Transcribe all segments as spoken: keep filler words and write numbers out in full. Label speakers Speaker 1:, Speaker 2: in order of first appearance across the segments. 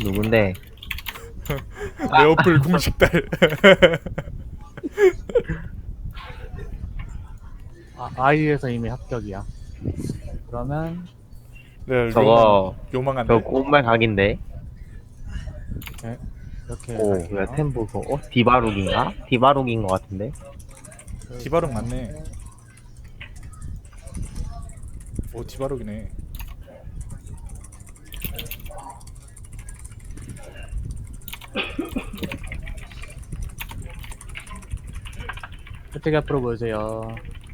Speaker 1: 누군데?
Speaker 2: 레오플 궁식달.
Speaker 3: 아, 아이에서 이미 합격이야. 그러면
Speaker 2: 네,
Speaker 1: 저거
Speaker 2: 요망, 요망한데.
Speaker 1: 저 꼬말 각인데?
Speaker 3: 이렇게 이렇게
Speaker 1: 오,
Speaker 3: 갈게요.
Speaker 1: 왜 템 보소? 어? 디바룩인가? 디바룩인 것 같은데?
Speaker 2: 디바룩 맞네. 오, 디바룩이네.
Speaker 3: 저쪽에 앞으로 보여주세요.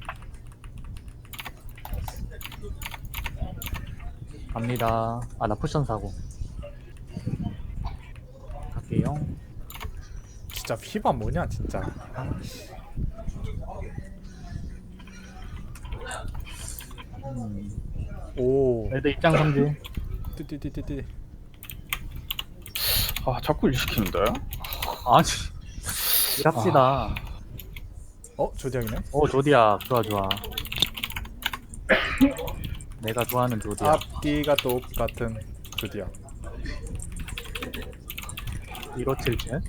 Speaker 3: 갑니다. 아, 나 쿠션 사고. 갈게요.
Speaker 2: 진짜 피바 뭐냐 진짜. 아,
Speaker 3: 음.
Speaker 2: 오,
Speaker 3: 레드 입장 성지.
Speaker 2: 띠띠띠띠띠.
Speaker 4: 아 자꾸 일 시키는데?
Speaker 3: 아니. 일합시다.
Speaker 2: 어, 조디악이네.
Speaker 3: 오, 조디야. 좋아, 좋아. 내가 좋아하는 조디야.
Speaker 2: 앞뒤가 똑같은 조디악.
Speaker 3: 일오칠칠.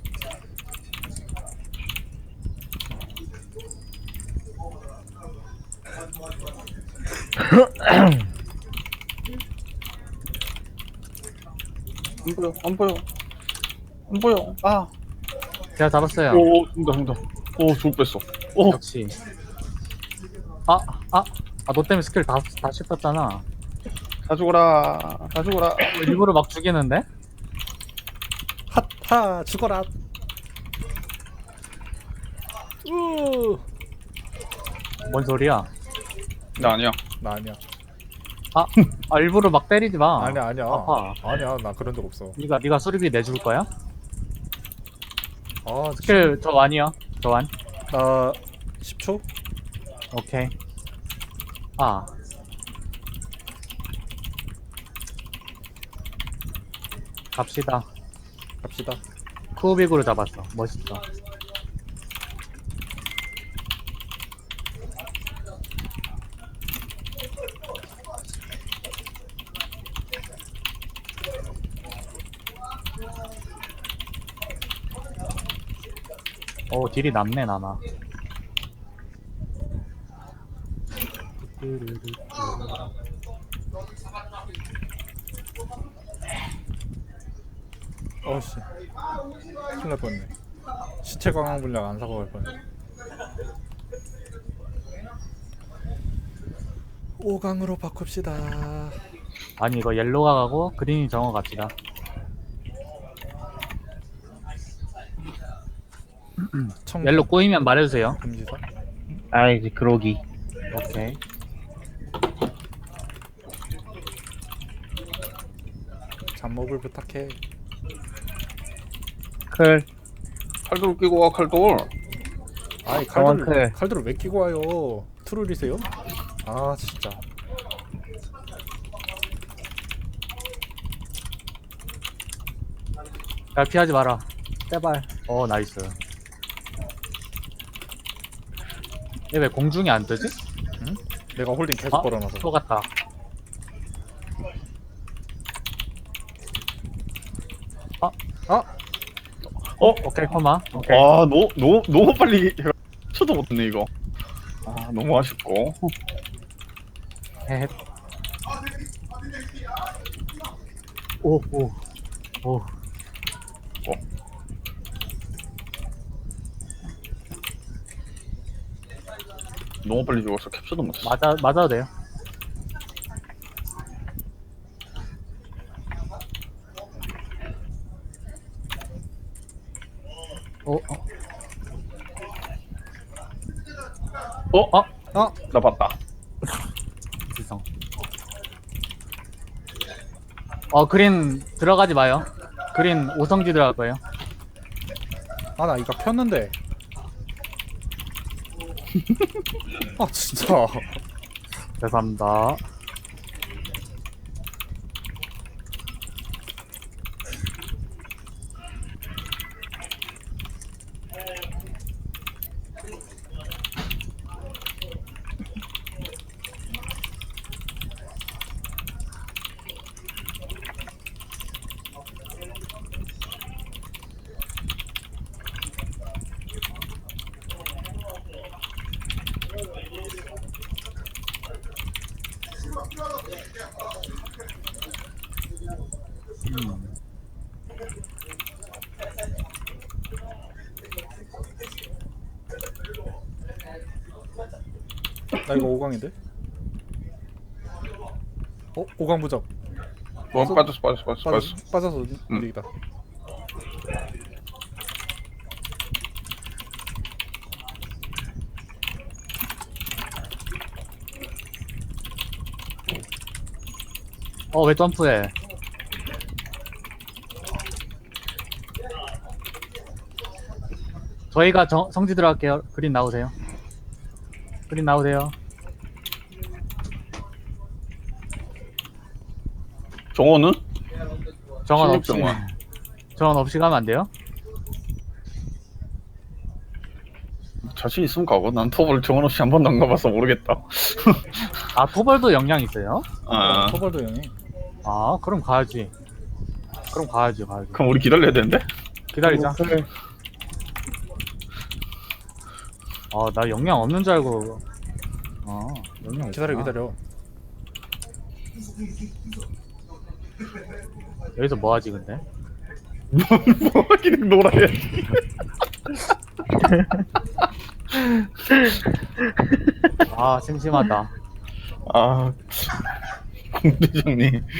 Speaker 4: 안 보여 안 보여 안 보여. 아.
Speaker 3: 제가 잡았어요.
Speaker 4: 오 죽는다 죽는다. 오 죽을 뺐어. 오.
Speaker 3: 역시. 아, 아, 아, 너 때문에 스킬 다, 다 씹혔잖아.
Speaker 4: 다 죽어라 다 죽어라.
Speaker 3: 일부러 막 죽이는데?
Speaker 2: 핫하 죽어라. 우.
Speaker 3: 뭔 소리야?
Speaker 4: 나 아니야.
Speaker 2: 나 아니야.
Speaker 3: 아, 아 일부러 막 때리지 마.
Speaker 2: 아니야 아니야.
Speaker 3: 아파.
Speaker 2: 아니야 나 그런 적 없어.
Speaker 3: 네가 네가 수리비 내줄 거야?
Speaker 2: 아,
Speaker 3: 스킬 저 완이요. 저 완.
Speaker 2: 나 십 초?
Speaker 3: 오케이. 아. 갑시다.
Speaker 2: 갑시다.
Speaker 3: 쿠빅으로 잡았어. 멋있어. 오, 딜이 남네, 나나.
Speaker 2: 어씨. 큰일 날 뻔했네. 시체 광학 분량 안 사고 갈 뻔했네. 오 강으로 바꿉시다.
Speaker 3: 아니, 이거 옐로가 가고 그린이 정어 갑시다.
Speaker 2: 청
Speaker 3: 옐로 꼬이면 말해주세요.
Speaker 2: 금지사.
Speaker 1: 아이지, 그러기.
Speaker 3: 오케이.
Speaker 2: 잡목을 부탁해.
Speaker 1: 클.
Speaker 4: 칼돌 끼고 와 칼돌.
Speaker 2: 아이
Speaker 1: 정확해.
Speaker 2: 칼들 칼들을 왜 끼고 와요? 트롤이세요? 아 진짜.
Speaker 3: 잘 피하지 마라. 제발. 어, 나이스. 얘 왜 공중이 안 뜨지?
Speaker 2: 내가 홀딩 계속
Speaker 3: 아,
Speaker 2: 걸어놔서.
Speaker 3: 또 갔다. 아,
Speaker 2: 아
Speaker 4: 어?
Speaker 3: 오케이, 코마. 오케이.
Speaker 4: 아 너, 너, 너무 빨리 해가 쳐도 못했네 이거. 아 너무 아쉽고.
Speaker 3: 헤헤. 오, 오, 오.
Speaker 4: 너무 빨리 죽어서 캡처도 못했어.
Speaker 3: 맞아, 맞아도 돼요. 오, 어,
Speaker 4: 어?
Speaker 3: 어,
Speaker 2: 아!
Speaker 4: 나 봤다.
Speaker 3: 지성. 어, 그린 들어가지 마요. 그린 오성지 들어갈 거예요.
Speaker 2: 아 나 이거 폈는데. 아 진짜.
Speaker 3: 죄송합니다. 음.
Speaker 2: 나 이거 오 강인데? 어? 오 강 부적
Speaker 4: 뭐 빠졌어 빠졌어 빠졌어
Speaker 2: 빠져,
Speaker 4: 빠졌어.
Speaker 2: 빠져서
Speaker 4: 음.
Speaker 2: 우리다.
Speaker 3: 어, 왜 점프해? 저희가 정, 성지 들어갈게요. 그린 나오세요. 그린 나오세요.
Speaker 4: 정원은?
Speaker 3: 정원 없이.
Speaker 4: 실력정원.
Speaker 3: 정원 없이 가면 안 돼요?
Speaker 4: 자신 있으면 가고 난 터블 정원 없이 한 번도 안 가봐서 모르겠다.
Speaker 3: 아, 토벌도 영향 있어요?
Speaker 4: 아
Speaker 2: 토벌도 형이.
Speaker 3: 아, 그럼 가야지. 그럼 가야지, 가야지.
Speaker 4: 그럼 우리 기다려야 되는데?
Speaker 3: 기다리자.
Speaker 1: 그래.
Speaker 3: 아, 나 영향 없는 줄 알고. 아, 영향
Speaker 2: 기다려
Speaker 3: 있구나.
Speaker 2: 기다려.
Speaker 3: 여기서 뭐 하지, 근데?
Speaker 4: 뭐 하기는 놀아야지.
Speaker 3: 아, 심심하다.
Speaker 4: 아 공대장님.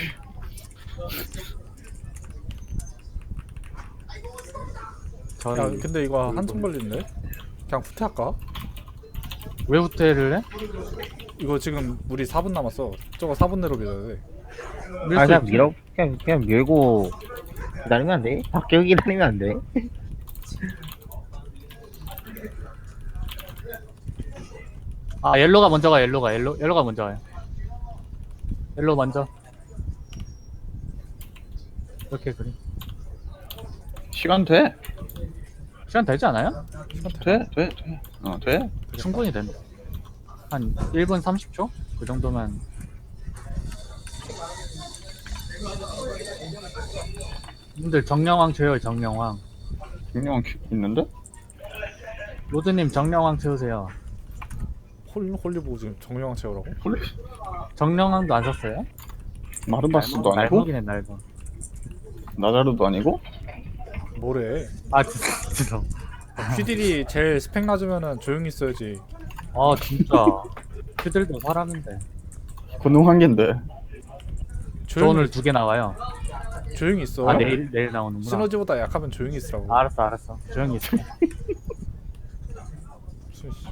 Speaker 3: 저희
Speaker 2: 야 근데 이거 한참 걸리는데? 그냥 후퇴할까?
Speaker 3: 왜 후퇴를 해?
Speaker 2: 이거 지금 우리 사 분 남았어. 저거 사 분 내로 밀어야 돼.
Speaker 3: 밀
Speaker 1: 아
Speaker 3: 수
Speaker 1: 그냥
Speaker 3: 있지.
Speaker 1: 밀어 그냥 그냥 밀고 기다리면 안 돼? 밖에 기다리면 안 돼?
Speaker 3: 아, 옐로가 먼저 가, 옐로가, 옐로, 옐로가 먼저 가요. 옐로 먼저. 이렇게 그림.
Speaker 4: 시간 돼?
Speaker 3: 시간 되지 않아요?
Speaker 4: 돼? 돼? 돼? 어 돼?
Speaker 3: 충분히 된다. 한 일 분 삼십 초? 그 정도면. 님들 정령왕 채워요, 정령왕.
Speaker 4: 분명 있는데?
Speaker 3: 로드님 정령왕 채우세요.
Speaker 2: 홀 홀리 보고 지금 정령 채우라고?
Speaker 4: 홀리
Speaker 3: 정령왕도 안 썼어요?
Speaker 4: 마르바스도 아니고
Speaker 3: 날먹이네, 날먹.
Speaker 4: 나자르도 아니고
Speaker 2: 뭐래?
Speaker 3: 아, 진짜, 진짜.
Speaker 2: 휘딜이 제일 스펙 낮으면은 조용히 있어야지.
Speaker 3: 아, 진짜. 그들도 사람인데.
Speaker 4: 권능 한 개인데.
Speaker 3: 저
Speaker 2: 조용히
Speaker 3: 오늘 두 개 나와요.
Speaker 2: 조용히 있어.
Speaker 3: 아, 내일, 내일 나오는구나.
Speaker 2: 시너지보다 약하면 조용히 있으라고.
Speaker 3: 알았어, 알았어. 조용히 있어.
Speaker 2: 무슨 씨.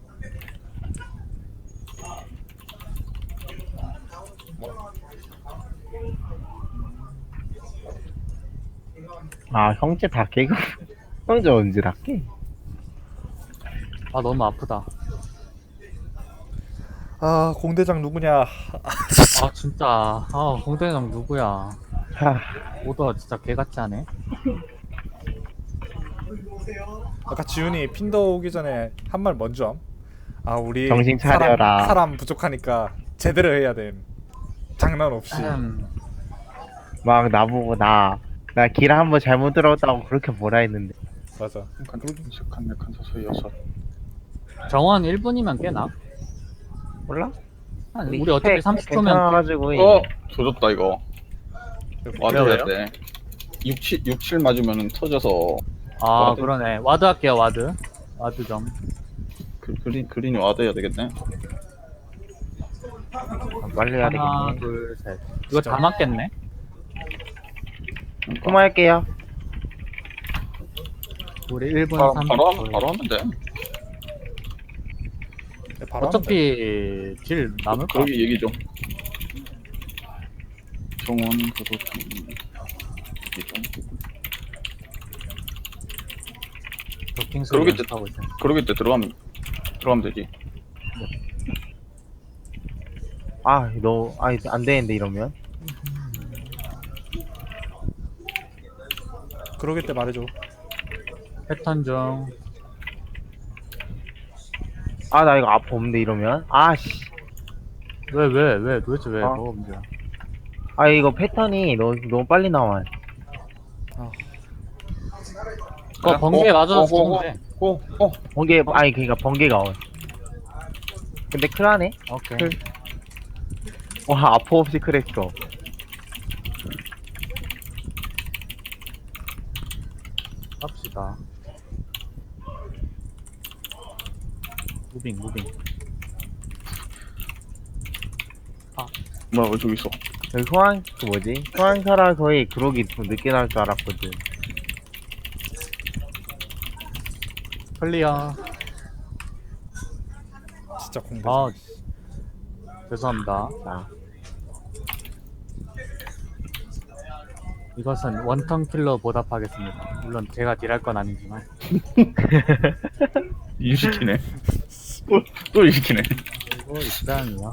Speaker 1: 아 형제 다 깨고 형제 언제 다 깨?
Speaker 3: 아, 너무 아프다.
Speaker 2: 아 공대장 누구냐?
Speaker 3: 아, 진짜. 아, 공대장 누구야.
Speaker 1: 하,
Speaker 3: 오더 진짜 개같이 하네.
Speaker 2: 아까 지훈이 핀더 오기 전에 한 말 먼저 함. 아 우리
Speaker 1: 정신 차려라.
Speaker 2: 사람, 사람 부족하니까 제대로 해야 돼. 장난 없이.
Speaker 3: 음,
Speaker 1: 막 나보고 나 나 길 한번 잘못 들어왔다고 그렇게 뭐라 했는데
Speaker 2: 맞아.
Speaker 4: 한 칸, 네 칸, 다섯, 여섯.
Speaker 3: 정원 일 분이면 깨나?
Speaker 1: 몰라?
Speaker 3: 우리, 우리 어차피 삼십 초면.
Speaker 1: 괜찮아가지고
Speaker 4: 어! 조졌다 이거. 와드
Speaker 3: 왜요,
Speaker 4: 해야 돼. 육, 칠, 육, 칠 맞으면 터져서
Speaker 3: 아,
Speaker 4: 와드.
Speaker 3: 그러네. 와드 할게요, 와드. 와드 좀.
Speaker 4: 그, 그린, 그린이 와드 해야 되겠네.
Speaker 1: 빨리 해야
Speaker 3: 하나,
Speaker 1: 되겠네.
Speaker 3: 둘, 셋. 이거
Speaker 2: 진짜.
Speaker 3: 다 맞겠네?
Speaker 1: 그만할게요.
Speaker 3: 우리 일 분
Speaker 4: 바로,
Speaker 3: 삼십
Speaker 4: 바로,
Speaker 3: 초.
Speaker 4: 하면, 바로 하면 돼.
Speaker 2: 네, 바로
Speaker 3: 어차피 딜 남을 거.
Speaker 4: 거기 얘기 좀. 정원, 그도, 얘기 좀.
Speaker 3: 도킹 소리
Speaker 4: 그러겠지.
Speaker 3: 연습하고 있어.
Speaker 4: 그러겠지, 들어가면, 들어가면 되지.
Speaker 1: 아, 너, 아, 안 되는데 이러면.
Speaker 2: 그러겠대 말해줘.
Speaker 3: 패턴 중.
Speaker 1: 아, 나 이거 아파 없는데 이러면. 아, 씨.
Speaker 3: 왜, 왜, 왜, 도대체 왜,
Speaker 1: 아.
Speaker 3: 뭐가 문제야?
Speaker 1: 아, 이거 패턴이 너무 너무 빨리 나와.
Speaker 2: 아
Speaker 3: 어, 번개
Speaker 4: 어,
Speaker 3: 맞아서
Speaker 4: 어, 어,
Speaker 3: 죽는데.
Speaker 4: 어, 어.
Speaker 1: 번개, 아니 그러니까 번개가 온. 근데 크라네.
Speaker 3: 오케이.
Speaker 1: 클. 와, 아파 없이 크랬어.
Speaker 3: 갑시다. 무빙 무빙.
Speaker 4: 뭐야 왜 저기 있어?
Speaker 1: 여기 소환 그 뭐지? 소환사라서의 그러기 좀 늦게 나올 줄 알았거든.
Speaker 3: 클리어.
Speaker 2: 진짜 공대.
Speaker 3: 아 죄송합니다.
Speaker 1: 자,
Speaker 3: 이것은 원턴 킬러 보답하겠습니다. 물론 제가 딜할 건 아니지만.
Speaker 4: 일시키네. 또, 또 일시키네.
Speaker 3: 이거 입장이야.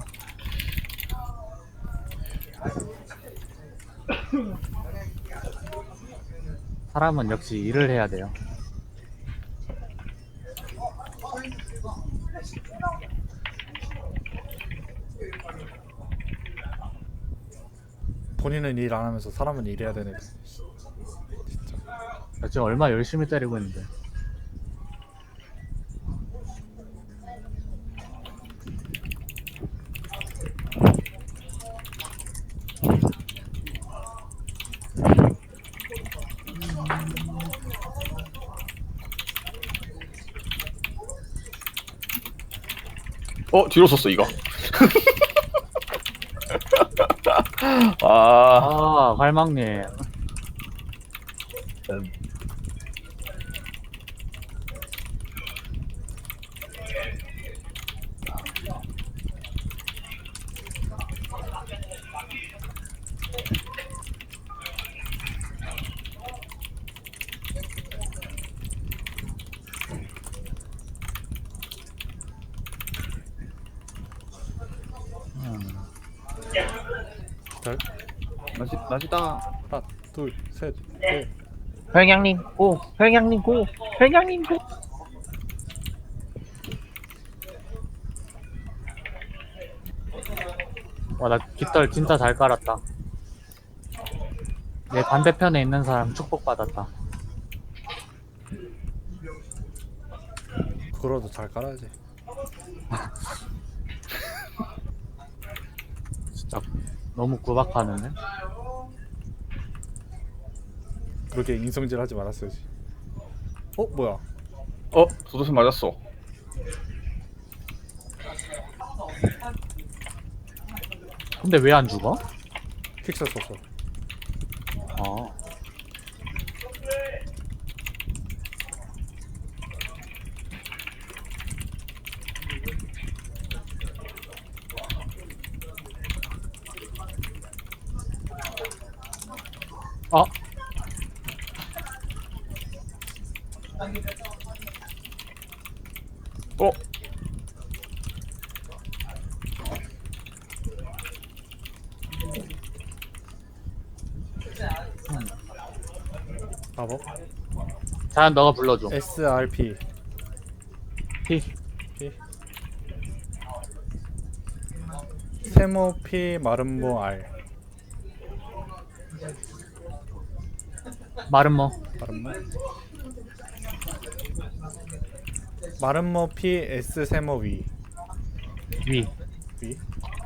Speaker 3: 사람은 역시 일을 해야 돼요.
Speaker 2: 본인은 일 안 하면서 사람은 일해야 되네.
Speaker 3: 나 지금 얼마 열심히 때리고 있는데.
Speaker 4: 어 뒤로 썼어 이거. 아
Speaker 3: 아, 갈망님.
Speaker 2: 절.
Speaker 4: 나지 나지다.
Speaker 2: 하나, 둘, 셋, 넷.
Speaker 1: 혈양님 고! 혈양님 고! 혈양님 고!
Speaker 3: 와, 나 깃털 진짜 잘 깔았다. 내 반대편에 있는 사람 축복받았다.
Speaker 2: 그거라도 잘 깔아야지.
Speaker 3: 진짜 너무 구박하는데?
Speaker 2: 그렇게 인성질 하지 말았어야지. 어 뭐야?
Speaker 4: 어 도도새 맞았어.
Speaker 3: 근데 왜 안 죽어?
Speaker 2: 픽셀 썼어.
Speaker 3: 어. 어?
Speaker 4: 어
Speaker 2: 마법.
Speaker 3: 자연 너가 불러줘.
Speaker 2: 에스알피.
Speaker 3: 피.
Speaker 2: P. 세모피 마름모 R.
Speaker 3: 마름모.
Speaker 2: 마름모. 마름모 P S 세모 위.
Speaker 3: 위.
Speaker 2: 위.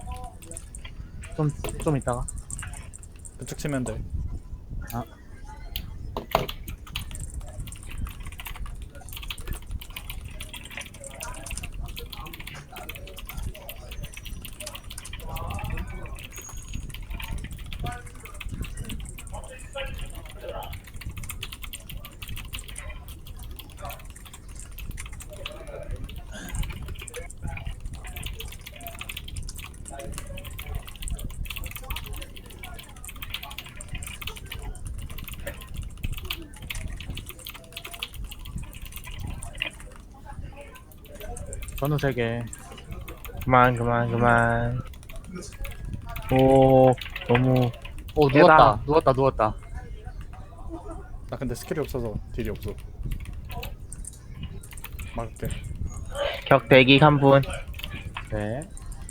Speaker 3: 좀, 좀 이따가.
Speaker 2: 그쪽 치면 돼.
Speaker 3: 아. 전후 세 개.
Speaker 1: 그만 그만 그만. 오 너무
Speaker 3: 오,
Speaker 1: 깨다.
Speaker 3: 누웠다. 누웠다, 누웠다.
Speaker 2: 나 근데 스킬이 없어서 딜이 없어. 막을게.
Speaker 1: 격 대기 한 분.
Speaker 3: 네.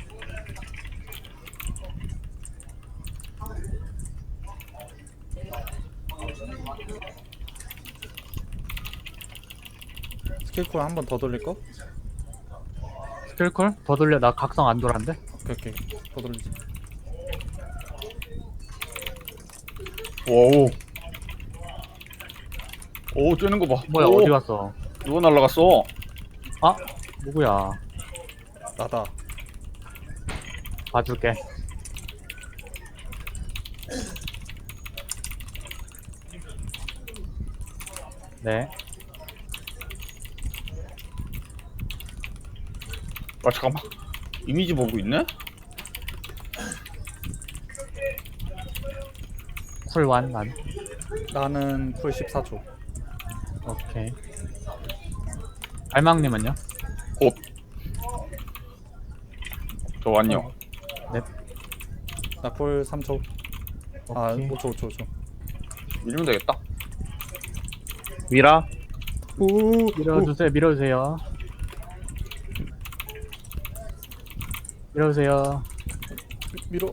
Speaker 2: 스킬쿨 한 번 더 돌릴 거?
Speaker 3: 스킬콜? 더 돌려. 나 각성 안 돌았는데?
Speaker 2: 오케이 오케이. 더 돌리지.
Speaker 4: 와우. 오 쬐는 거봐.
Speaker 3: 뭐야 어디 갔어?
Speaker 4: 누가 날라갔어?
Speaker 3: 아 누구야?
Speaker 2: 나다.
Speaker 3: 봐줄게. 네.
Speaker 4: 아 잠깐만. 이미지 보고 있네?
Speaker 3: 쿨완 난.
Speaker 2: 나는 쿨 십사 초.
Speaker 3: 오케이. 알망님은요?
Speaker 4: 곧. 저 안녕.
Speaker 2: 나 쿨 삼 초. 아
Speaker 3: 오케이.
Speaker 2: 오 초 오 초 오 초.
Speaker 4: 밀면 되겠다.
Speaker 1: 미라
Speaker 2: 오.
Speaker 3: 밀어주세요. 밀어주세요. 밀어주세요.
Speaker 2: 밀어.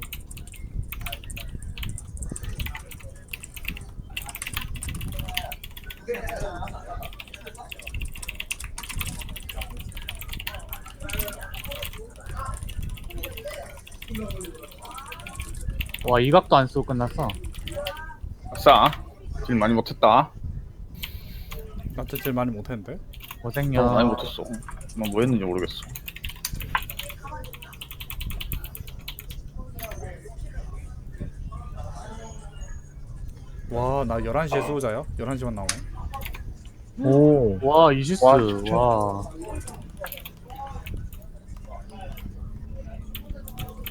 Speaker 3: 와 이각도 안 쓰고 끝났어.
Speaker 4: 아싸. 딜 많이 못했다.
Speaker 2: 나도 제일 많이 못했는데.
Speaker 3: 고생요.
Speaker 4: 어, 많이 못했어. 난 뭐 했는지 모르겠어.
Speaker 2: 와 나 열한 시에 수호자야? 열한 시만 나오네.
Speaker 1: 오
Speaker 3: 와 이시스.
Speaker 1: 와, 진짜.
Speaker 3: 와.